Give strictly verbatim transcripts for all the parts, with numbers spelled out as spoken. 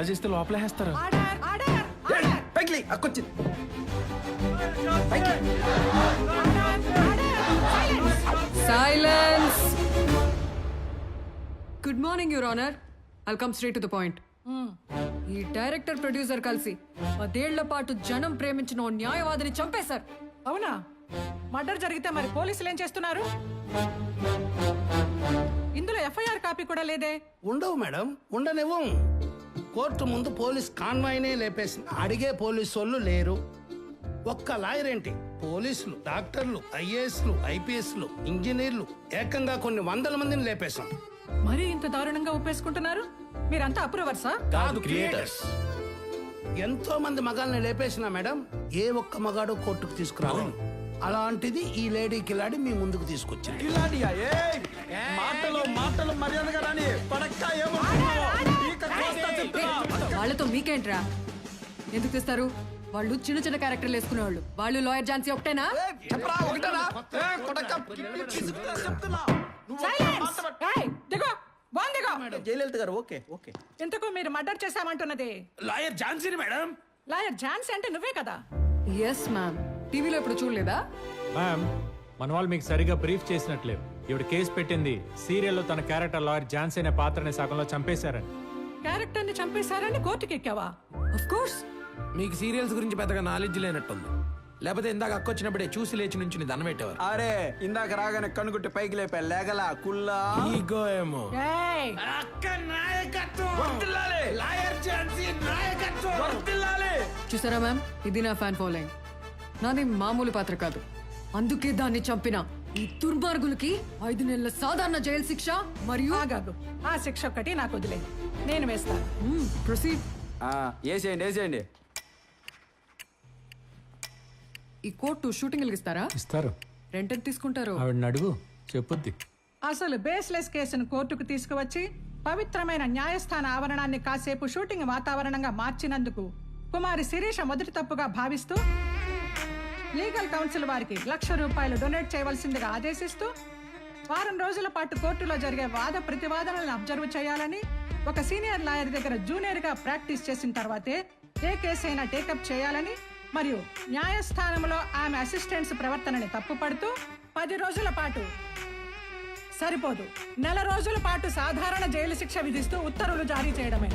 Murder చేస్తే లోపలేస్తారు. Silence. Good morning your honour. I'll come straight to the point. ఈ director producer కలిసి పదేళ్ల పాటు జనం ప్రేమించిన ఓ న్యాయవాదిని చంపేశారు. అవునా? మర్డర్ జరిగితే మరి పోలీసులు ఏం చేస్తున్నారు? ఇందులో ఎఫ్ఐఆర్ కాపీ కూడా లేదే. ఉండవు మేడం, ఉండనివ్వం. కోర్టు ముందు పోలీస్ కాన్వాయ్నే లేపేసిన అడిగే పోలీసు వాళ్ళు లేరు. ఒక్క లాయర్ ఏంటి, పోలీసులు, డాక్టర్లు, ఐఏఎస్లు, ఐపీఎస్లు, ఇంజనీర్లు, ఏకంగా కొన్ని వందల మందిని లేపేశాం. మరి ఇంత దారుణంగా ఒప్పేసుకుంటున్నారు? మీరంతా అప్రూవర్సా? కాదు, క్రియేటర్స్. ఎంతో మంది మగాల్ని లేపేసినా మేడం, ఏ ఒక్క మగాడు కోర్టుకు తీసుకురావాలి. అలాంటిది ఈ లేడీ కిలాడి మీ ముందుకు తీసుకొచ్చింది. మాటలు మాటలు మర్యాదగా రాని పడక్క. వాళ్ళతో మీకేంట్రా? ఎందుకు తెస్తారు? వాళ్ళు చిన్న చిన్న క్యారెక్టర్లు వేసుకునేవాళ్ళు. వాళ్ళు లాయర్ ఝాన్సీ ఒకటేనా? జయలలిత గారు ఓకే ఓకే. ఇంతకు మీరు మర్డర్ చేశామంటున్నది లాయర్ ఝాన్సీని మేడం. లాయర్ ఝాన్సీ అంటే నువ్వే కదా? Yes ma'am. టీవీలో ఇప్పుడు చూడలేదా? మ్యామ్, మన వాళ్ళు మీకు సరిగా బ్రీఫ్ చేసినట్లేవు. ఇవిడ కేసు పెట్టింది సీరియల్లో తన క్యారెక్టర్ లాయర్ ఝాన్సీ అనే పాత్రని సగంలో చంపేశారని. క్యారెక్టర్ ని చంపేశారని కోర్టుకి ఎక్కావా? Of course. మీకు సీరియల్స్ గురించి పెద్దగా నాలెడ్జ్ లేనట్టుంది. లేకపోతే ఇందాక అక్కొచ్చినప్పుడే చూసి లేచి నుంచి దండం పెట్టేవారు. అరే ఇందాక రాగానే కనుగుట్టి పైకి లేపా లేగలా కుల్లా ఈగో ఏమో. ఏయ్! చూసారా మ్యామ్, ఇది నా ఫ్యాన్ ఫాలోయింగ్. నాది మామూలు పాత్ర కాదు. అందుకే దాన్ని చంపిన ఈ దుర్మార్గులకి ఐదు నెలల సాధారణ జైలు శిక్ష మరియు ఆగాగు. ఆ శిక్ష ఒక్కటి నాకు వదిలే, నేను వేస్తాను. ప్రొసీడ్. వేసేయండి వేసేయండి. ఈ కోర్టు షూటింగ్ ఇస్తారా? ఇస్తారు. రెంట్ ఎంత తీసుకుంటారు? ఆవిడని అడుగు, చెప్పుద్ది. అసలు బేస్లెస్ కేసును కోర్టుకు తీసుకువచ్చి పవిత్రమైన న్యాయస్థాన ఆవరణాన్ని కాసేపు షూటింగ్ వాతావరణంగా మార్చినందుకు కుమారి శిరీష మొదటి తప్పుగా భావిస్తూ లీగల్ కౌన్సిల్ వారికి లక్ష రూపాయలు డొనేట్ చేయవలసిందిగా ఆదేశిస్తూ వారం రోజుల పాటు కోర్టులో జరిగే వాద ప్రతివాదనలను అబ్జర్వ్ చేయాలని, ఒక సీనియర్ లాయర్ దగ్గర జూనియర్ గా ప్రాక్టీస్ చేసిన తర్వాతే ఏ కేసు అయినా టేకప్ చేయాలని, మరియు న్యాయస్థానంలో ఆమె అసిస్టెంట్స్ ప్రవర్తనని తప్పుపడుతూ పది రోజుల పాటు సరిపోదు నెల రోజుల పాటు సాధారణ జైలు శిక్ష విధిస్తూ ఉత్తర్వులు జారీ చేయడమే.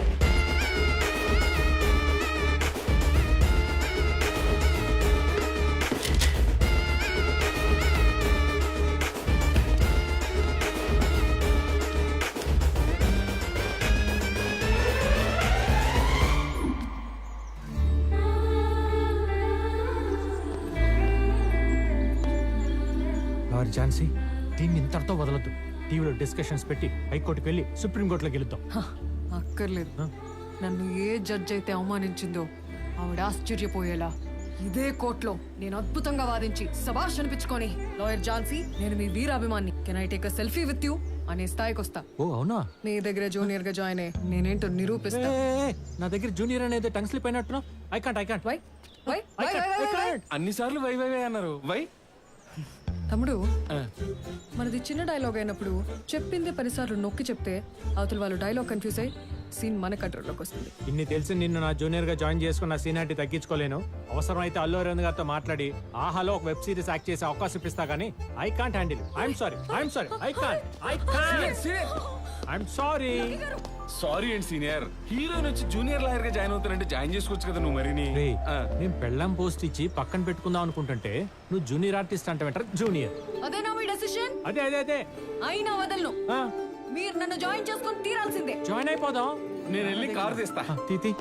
లాయర్ ఝాన్సీ, దీన్ని ఇంతటితో వదలొద్దు. టీవీలో డిస్కషన్స్ పెట్టి హైకోర్టుకి వెళ్ళి సుప్రీంకోర్టులో గెలుద్దాం. హ, అక్కర్లేదు. నన్ను ఏ జడ్జ్ అయితే అవమానించిందో ఆవిడ ఆశ్చర్యపోయేలా ఇదే కోర్టులో నేను అద్భుతంగా వాదించి శభాష్ అనిపించుకొని, లాయర్ ఝాన్సీ నేను మీ వీరాభిమాన్ని, can I take a selfie with you అనే స్థాయికి వస్తా. ఓ అవునా? నీ దగ్గర జూనియర్ గా జాయిన్ అయ్యి నేనేంటో నిరూపిస్తా. ఏ, ఏ, నా దగ్గర జూనియర్ అనేది టంగ్ స్లిప్ అయినట్టున్నా. I can't I can't why why why why why అన్ని సార్లు వై వై వై అన్నారు. వై తమ్ముడు, మనది చిన్న డైలాగ్ అయినప్పుడు చెప్పింది పదిసార్లు నొక్కి చెప్తే అవతల వాళ్ళు డైలాగ్ కన్ఫ్యూజ్ అయ్యి సీన్ మన కంట్రోల్లోకి వస్తుంది. ఇన్ని తెలిసి నిన్ను నా జూనియర్ గా జాయిన్ చేసుకున్న సీనియారిటీ తగ్గించుకోలేను. అవసరం అయితే అల్లు అరవింద్ గారితో మాట్లాడి ఆహాలో ఒక వెబ్ సిరీస్ యాక్ట్ చేసే అవకాశం ఇప్పిస్తా గానీ I can't handle. I'm sorry I'm sorry I can't I can't I'm sorry. Sorry అండి సీనియర్. హీరోయిన్ వచ్చి జూనియర్ లాయర్ గా జాయిన్ అవుతానంటే జాయిన్ చేసుకోవచ్చు కదా నువ్వు. మరి నేను పెళ్ళాం పోస్ట్ ఇచ్చి పక్కన పెట్టుకుందాం అనుకుంటుంటే నువ్వు జూనియర్ ఆర్టిస్ట్ అంటే వెంటనే జూనియర్. అదేనా మీ డెసిషన్? అదే అదే అదే అయినా వదలను. మీరు నన్ను జాయిన్ చేసుకొని తీరాల్సిందే. జాయిన్ అయిపోదాం. నేను వెళ్ళి కార్ తీస్తా. తీతి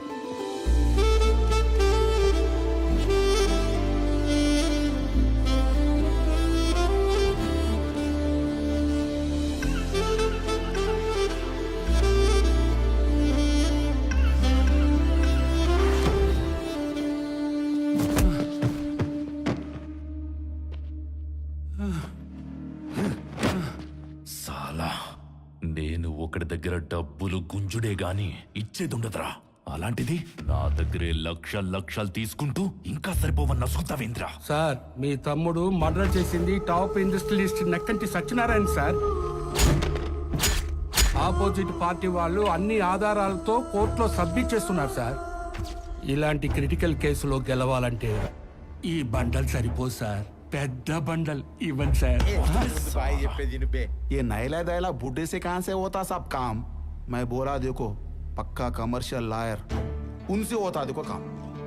సాలా, నేను ఒకటి దగ్గర డబ్బులు గుంజుడే గాని ఇచ్చేదుండదురా. అలాంటిది నా దగ్గరే లక్ష లక్షలు తీసుకుంటూ ఇంకా సరిపోవన్న నసుకుతావేంద్ర. సార్, మీ తమ్ముడు మర్డర్ చేసింది top industrialist Nakkanti Satyanarayana sir. Opposite party వాళ్ళు అన్ని ఆధారాలతో కోర్టులో సబ్మిట్ చేస్తున్నారు సార్. ఇలాంటి క్రిటికల్ కేసులో గెలవాలంటే ఈ బండల్ సరిపోదు సార్, పెద్ద బండల్ ఇవ్వండి సార్. भाई ये पे जिन पे ये नैला दैला बूढ़े से कहाँ से होता सब काम. मैं बोला देखो पक्का कमर्शियल लायर उनसे होता देखो काम.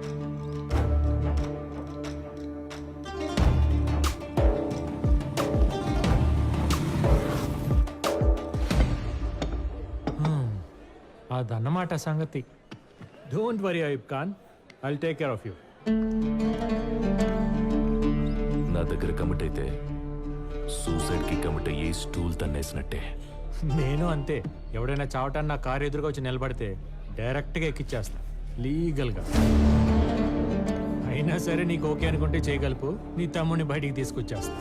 అదన్నమాట సంగతి. Don't worry Ayub Khan, I'll take care of you. నా దగ్గర కమిట్ అయితే సూసైడ్ కి కమిట్ అయ్యి స్టూల్ తన్నేసినట్టే. నేను అంతే. ఎవడైనా చావటాన్ని నా కారు ఎదురుగా వచ్చి నిలబడితే డైరెక్ట్గా ఎక్కిచ్చేస్తా లీగల్గా. అయినా సరే నీకు ఓకే అనుకుంటే చేయగలుపు, నీ తమ్ముడిని బయటికి తీసుకొచ్చేస్తా.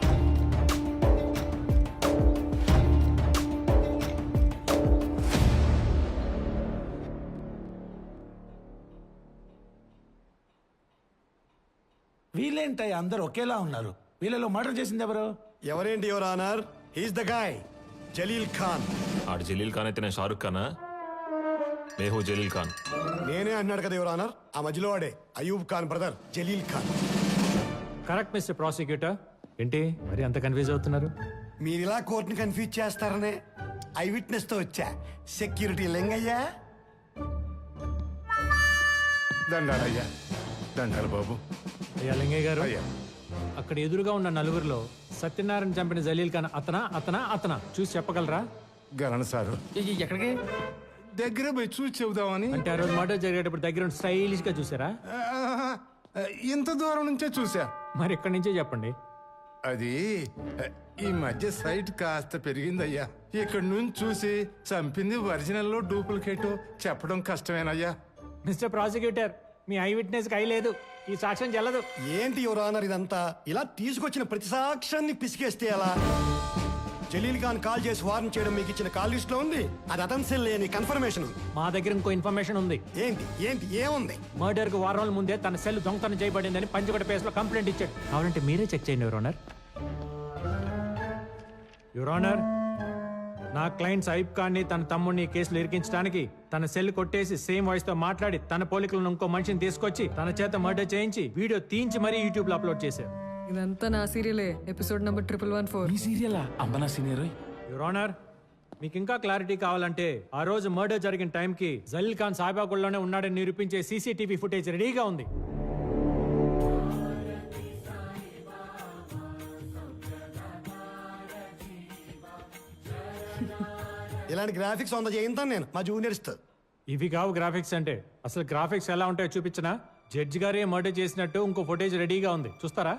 వీళ్ళేంటయ్య అందరు ఒకేలా ఉన్నారు? వీళ్ళలో మర్డర్ చేసింది ఎవరు? ఎవరేంటి your honour, he's the guy Jalil Khan. ఆడు జలీల్ ఖాన్ అయితే నేను షారుఖ్ ఖానా? మేహూ జలీల్ ఖాన్. నేనే అన్నాడు కదా యువర్ ఆనర్, ఆ మధ్యలో వాడే Ayub Khan brother Jalil Khan. Correct mister prosecutor. ఏంటి మరి అంత కన్ఫ్యూజ్ అవుతున్నారు? మీరు ఇలా కోర్టుని కన్ఫ్యూజ్ చేస్తారనే ఐ విట్నెస్ తో వచ్చా. సెక్యూరిటీ లెంగయ్యా. దండాలయ్యా, దండాలు బాబు. అయ్యా లింగయ్య గారు, అయ్యా. అక్కడ ఎదురుగా ఉన్న నలుగురిలో సత్యనారాయణ చంపిన జలీల్ ఖాన్ అతనా అతనా అతనా చూసి చెప్పగలరా? గరణ్ సారు ఎక్కడికి? దగ్గర పోయి చూసి చెబుదామని. అంటే ఆ రోజు మర్డర్ జరిగేటప్పుడు దగ్గర స్టైలిష్ గా చూసారా? ఆహా, ఇంత దూరం నుంచే చూసా. మరి ఎక్కడి నుంచే చెప్పండి. అది ఈ మధ్య సైట్ కాస్త పెరిగిందయ్యా. ఇక్కడ నుంచి చూసి చంపింది ఒరిజినల్ డూప్లికేట్ చెప్పడం కష్టమేనయ్యా. మిస్టర్ ప్రాసిక్యూటర్, మీ ఐ విట్నెస్ కి ఐ లేదు, ఈ సాక్ష్యం చెల్లదు. ఏంటి యువర్ ఆనర్ ఇదంతా? ఇలా తీసుకొచ్చిన ప్రతి సాక్ష్యాన్ని పిసికేస్తే ఎలా? జలీల్ ఖాన్ కాల్ చేసి వార్న్ చేయడం మీకు ఇచ్చిన కాల్ లిస్ట్ లో ఉంది. అది అతను లేని కన్ఫర్మేషన్. మా దగ్గర ఇంకో ఇన్ఫర్మేషన్ ఉంది. ఏంటి ఏంటి ఏముంది? మర్డర్ కు వారం రోజుల ముందే తన సెల్ దొంగతనం చేయబడిందని పంచగొట్ట పేస్ లో కంప్లైంట్ ఇచ్చాడు. కావాలంటే మీరే చెక్ చేయండి యువర్ ఆనర్. యువర్ ఆనర్, నా క్లయింట్స్ అయూబ్ ఖాన్ ని తన తమ్ముడిని కేసులు ఇరికించడానికి తన సెల్ కొట్టేసి సేమ్ వాయిస్ తో మాట్లాడి తన పోలికలను ఇంకో మనిషిని తీసుకొచ్చి తన చేత మర్డర్ చేయించి వీడియో తీయించి మరీ యూట్యూబ్ లో అప్లోడ్ చేశారు. ఇదంతా నా సీరియలే, episode number triple one four. సీరియలా? అంబనా సీనియర్. యువర్ ఆనర్, మీకు ఇంకా క్లారిటీ కావాలంటే ఆ రోజు మర్డర్ జరిగిన టైంకి జలీల్ ఖాన్ సాయిబాగుల్లోనే ఉన్నాడని నిరూపించే సీసీటీవీ ఫుటేజ్ రెడీగా ఉంది. ఇలాంటి గ్రాఫిక్స్ వంద చేయింతాను నేను మా జూనియర్స్ తో. ఇవి కావు గ్రాఫిక్స్ అంటే. అసలు గ్రాఫిక్స్ ఎలా ఉంటాయో చూపించనా? జడ్జి గారే మర్డర్ చేసినట్టు ఇంకో ఫుటేజ్ రెడీగా ఉంది, చూస్తారా?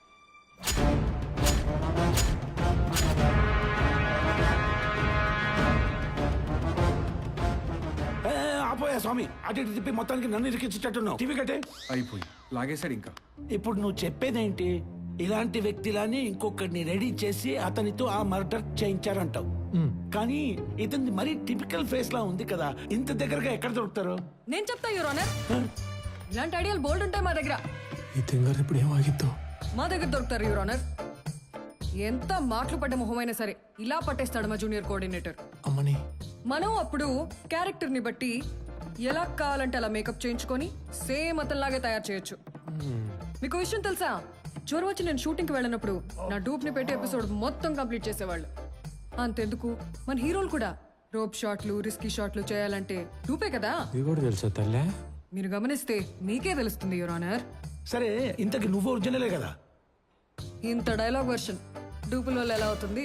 ఆపోయా స్వామి, అటు ఇటు తిప్పి మొత్తానికి నన్ను ఇరికించేటట్టున్నావు. టీవీ కట్టే. అయిపోయి లాగేశాడు ఇంకా. ఇప్పుడు నువ్వు చెప్పేదేంటి? ఇలాంటి వ్యక్తిలాని ఇంకొకరిని రెడీ చేసి అతనితో ఆ మర్డర్ చేయించారంటావు. కానీ ఇతని మరీ టిపికల్ ఫేస్ లా ఉంది కదా, ఇంత దగ్గరగా ఎక్కడ దొరుకుతారు? నేను చెప్తా యువర్ ఆనర్, ఇలాంటి ఐడియాలు బోల్డ్ ఉంటాయి మా దగ్గర. ఈ తింగర్ ఇప్పుడు ఏమాగిద్దో. మా దగ్గర దొరుకుతారు యువర్ ఆనర్. ఎంత మాటలు పడ్డ మొహమైనా సరే ఇలా పట్టేస్తాడు మా జూనియర్ కోఆర్డినేటర్. అమ్మని మనం అప్పుడు క్యారెక్టర్ ని బట్టి ఎలా కావాలంటే అలా మేకప్ చేయించుకొని సేమ్ అతనిలాగే తయారు చేయొచ్చు. మీకు విషయం తెలుసా? జ్వరం వచ్చి నేను షూటింగ్ కి వెళ్ళినప్పుడు నా డూప్ ని పెట్టి ఎపిసోడ్ మొత్తం కంప్లీట్ చేసేవాళ్ళు. అంతెందుకు, మన హీరోలు కూడా రోప్ షాట్లు, రిస్కీ షాట్లు చేయాలంటే డూపే కదా. ఇది కూడా తెలుసా తల్లే? మీరు గమనిస్తే మీకే తెలుస్తుంది యువర్ ఆనర్. సరే, ఇంతకి నువ్వు ఒరిజినలే కదా? ఇంత డైలాగ్ వర్షన్ డూపుల వల్ల ఎలా అవుతుంది?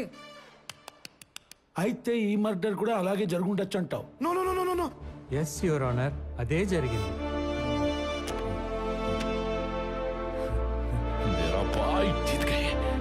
అయితే ఈ మర్డర్ కూడా అలాగే జరుగుండొచ్చు అంటావు? No no no no no. Yes your honour, అదే జరిగింది. मेरा भाई जीत गए.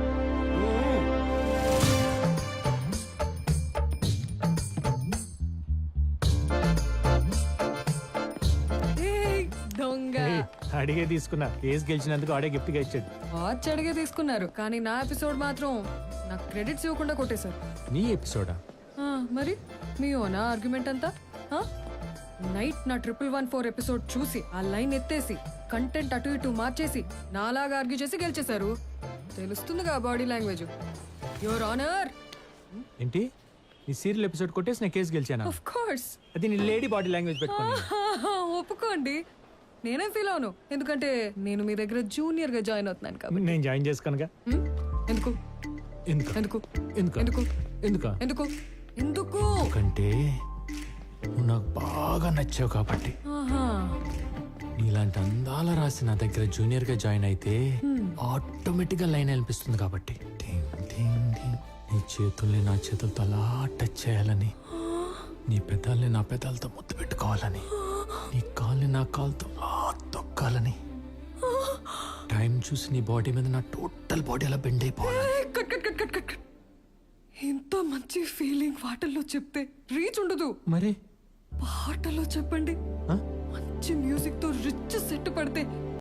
ఏయ్, దొంగ. ఏయ్, అడిగే తీసుకున్నా. కేసు గెలిచినందుకు ఆడే గిఫ్ట్ గా ఇచ్చాడు. వాచ్ అడిగే తీసుకున్నారు, కానీ నా ఎపిసోడ్ మాత్రం నాకు క్రెడిట్స్ ఇవ్వకుండా కొట్టేశారు. నీ ఎపిసోడా? ఆ, మరి మీ ఓనా ఆర్గ్యుమెంట్ అంతా? ఆ? నైట్ నా ట్రిపుల్ వన్ ఫోర్ ఎపిసోడ్ చూసి ఆ లైన్ ఎత్తేసి కంటెంట్ అటు ఇటు మార్చేసి నాలాగా ఆర్గ్యూ చేసి గెలిచేశారు. తెలుస్తుందిగా బాడీ లాంగ్వేజ్. Your honour. ఏంటి ఈ సీరియల్ ఎపిసోడ్ కొట్టేసి నేను కేసు గెలిచాను ఆఫ్ కోర్స్ అది నీ లేడీ బాడీ లాంగ్వేజ్ పెట్టుకుని ఒప్పుకోండి. నేనేం ఫీల్ అవును, ఎందుకంటే నేను మీ దగ్గర జూనియర్ గా జాయిన్ అవుతున్నాను కాబట్టి. నేను జాయిన్ చేసుకోనుగా. హ్మ్? ఎందుకు ఎందుకు ఎందుకు ఎందుకు ఎందుకు ఎందుకు ఎందుకు ఎందుకు ఎందుకంటే నువ్వు నాకు బాగా నచ్చావు కాబట్టి. ఆహా. నీలాంటి అందాల రాసి నా దగ్గర జూనియర్ గా జాయిన్ అయితే ఆటోమేటిక్ గా లైన్ అనిపిస్తుంది కాబట్టి. టింగ్ టింగ్ టింగ్. నీ చేతుల్ని నా చేతులతో అలా టచ్ చేయాలని, నీ పెదాల్ని నా పెదాలతో ముద్దు పెట్టుకోవాలని, నీ కాల్ని నా కాలుతో అలా తొక్కాలని, టైం చూసి నీ బాడీ మీద నా టోటల్ బాడీ అలా బెండ్ అయిపోవాలని. ఏయ్, cut cut cut cut cut cut. ఇంత మంచి ఫీలింగ్ పాటల్లో చెప్తే రీచ్ ఉండదు. మరి పాటలో చెప్పండి. ఆ? మంచి మ్యూజిక్ తో రిచ్ సెట్ పడితే